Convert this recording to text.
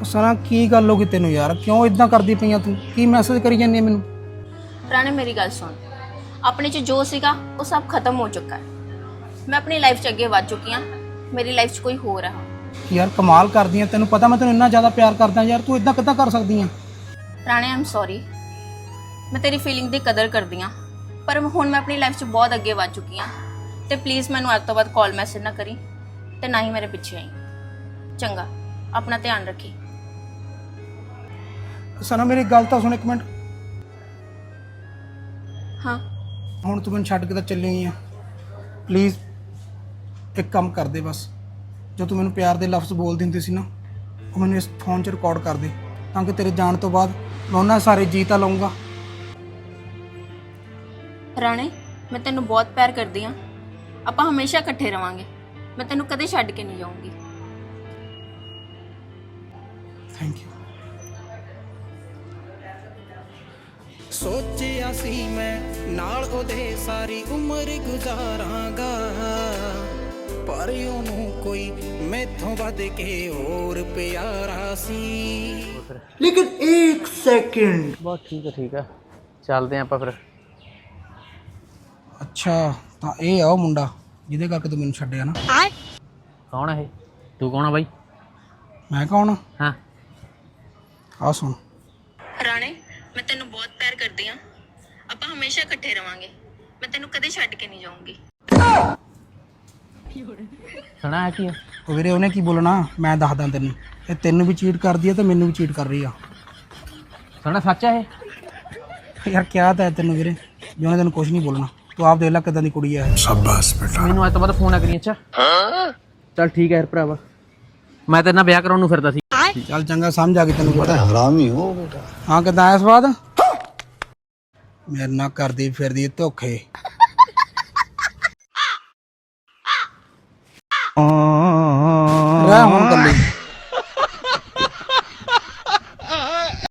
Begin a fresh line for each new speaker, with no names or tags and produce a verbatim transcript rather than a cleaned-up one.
सना की गल हो गई तेन यार, क्यों इदा करदी पई तू? की मैसेज करी जानी है मैनू?
राणे मेरी गल सुन, अपने च जो सीगा वो सब खत्म हो चुका है। मैं अपनी लाइफ च अगे वध चुकी हाँ, मेरी लाइफ च कोई होर है।
यार कमाल करदी है, तेन पता मैं तेन इन्ना ज़्यादा प्यार करदा यार, तू इदा किद्दां कर सकदी है?
राणे आई एम सॉरी, मैं तेरी फीलिंग की कदर करदी हाँ, पर हुण मैं अपनी लाइफ च बहुत अगे वध चुकी हाँ। तो प्लीज़ मैनू अज तो बाद कॉल मैसेज ना करी ते ना ही मेरे पिछे आई। चंगा, अपना ध्यान रखी।
सना मेरी गल तो सुन एक मिनट।
हाँ
ਹੁਣ ਤੂੰ ਮੈਨੂੰ ਛੱਡ ਕੇ ਤਾਂ ਚੱਲੀ ਗਈ ਆ, ਪਲੀਜ਼ ਇੱਕ ਕੰਮ ਕਰ ਦੇ ਬਸ। ਜੋ ਤੂੰ ਮੈਨੂੰ ਪਿਆਰ ਦੇ ਲਫ਼ਜ਼ ਬੋਲਦੀ ਹੁੰਦੀ ਸੀ ਨਾ, ਉਹ ਮੈਨੂੰ ਇਸ ਫੋਨ 'ਚ ਰਿਕਾਰਡ ਕਰ ਦੇ, ਤਾਂ ਕਿ ਤੇਰੇ ਜਾਣ ਤੋਂ ਬਾਅਦ ਮੈਂ ਉਹਨਾਂ ਸਾਰੇ ਜੀ ਤਾਂ ਲਊਂਗਾ।
ਰਾਣੇ, ਮੈਂ ਤੈਨੂੰ ਬਹੁਤ ਪਿਆਰ ਕਰਦੀ ਹਾਂ, ਆਪਾਂ ਹਮੇਸ਼ਾ ਇਕੱਠੇ ਰਵਾਂਗੇ, ਮੈਂ ਤੈਨੂੰ ਕਦੇ ਛੱਡ ਕੇ ਨਹੀਂ ਜਾਊਂਗੀ।
Thank you.
सोचिया सी मैं नाल ओदे सारी उम्र गुजारांगा, पर ओनू कोई मैथों वध के और प्यारा सी।
लेकिन एक सेकंड।
बहुत ठीक है ठीक है, चलते हैं ਆਪਾਂ ਫਿਰ।
ਅੱਛਾ ਤਾਂ ਇਹ ਆ ਉਹ ਮੁੰਡਾ ਜਿਹਦੇ ਕਰਕੇ ਤੂੰ ਮੈਨੂੰ ਛੱਡਿਆ ਨਾ।
ਕੌਣ ਹੈ ਇਹ? ਤੂੰ ਕੌਣ ਆ ਬਾਈ?
ਮੈਂ ਕੌਣ ਆ?
ਹਾਂ
ਆ ਸੁਣ।
ਰਾਣੇ, ਮੈਂ ਤੈਨੂੰ ਬਹੁਤ ਪਿਆਰ ਕਰਦੀ ਹਾਂ, ਆਪਾਂ ਹਮੇਸ਼ਾ ਇਕੱਠੇ ਰਵਾਂਗੇ, ਮੈਂ ਤੈਨੂੰ ਕਦੇ ਛੱਡ ਕੇ ਨਹੀਂ ਜਾਊਂਗੀ।
ਸੁਣਾ ਹੈ ਕੀ ਹੈ?
ਉਹ ਵੀਰੇ ਉਹਨੇ ਕੀ ਬੋਲਣਾ, ਮੈਂ ਦੱਸਦਾ ਤੈਨੂੰ। ਇਹ ਤੈਨੂੰ ਵੀ ਚੀਟ ਕਰਦੀ ਆ ਤੇ ਮੈਨੂੰ ਵੀ ਚੀਟ ਕਰ ਰਹੀ ਆ।
ਸੁਣਾ ਸੱਚ ਹੈ ਇਹ?
ਯਾਰ ਕਿਹਾ ਤਾਂ ਹੈ ਤੈਨੂੰ ਵੀਰੇ ਵੀ ਉਹਨੇ ਤੈਨੂੰ ਕੁਝ ਨਹੀਂ ਬੋਲਣਾ। ਤੂੰ ਆਪ ਦੇਖ ਲੈ ਕਿੱਦਾਂ ਦੀ ਕੁੜੀ ਆ।
शाबाश बेटा।
ਮੈਨੂੰ ਅੱਜ ਤੋਂ ਬਾਅਦ ਫੋਨ ਨਾ ਕਰੀ। ਅੱਛਾ ਚੱਲ ਠੀਕ ਹੈ ਯਾਰ ਭਰਾਵਾ, ਮੈਂ ਤੇਰੇ ਨਾਲ ਵਿਆਹ ਕਰਾਉਣ ਨੂੰ ਫਿਰਦਾ ਸੀ।
ਚੱਲ ਚੰਗਾ, ਸਮਝ ਆ ਗਈ ਤੈਨੂੰ।
बड़ा हरामी हो बेटा।
ਹਾਂ ਕਿੱਦਾਂ ਆਇਆ ਸਵਾਦ? ਮੇਰੇ ਨਾਲ ਕਰਦੀ ਫਿਰਦੀ ਧੋਖੇ। ਰਹਿ ਹੁਣ ਕੱਲੀ।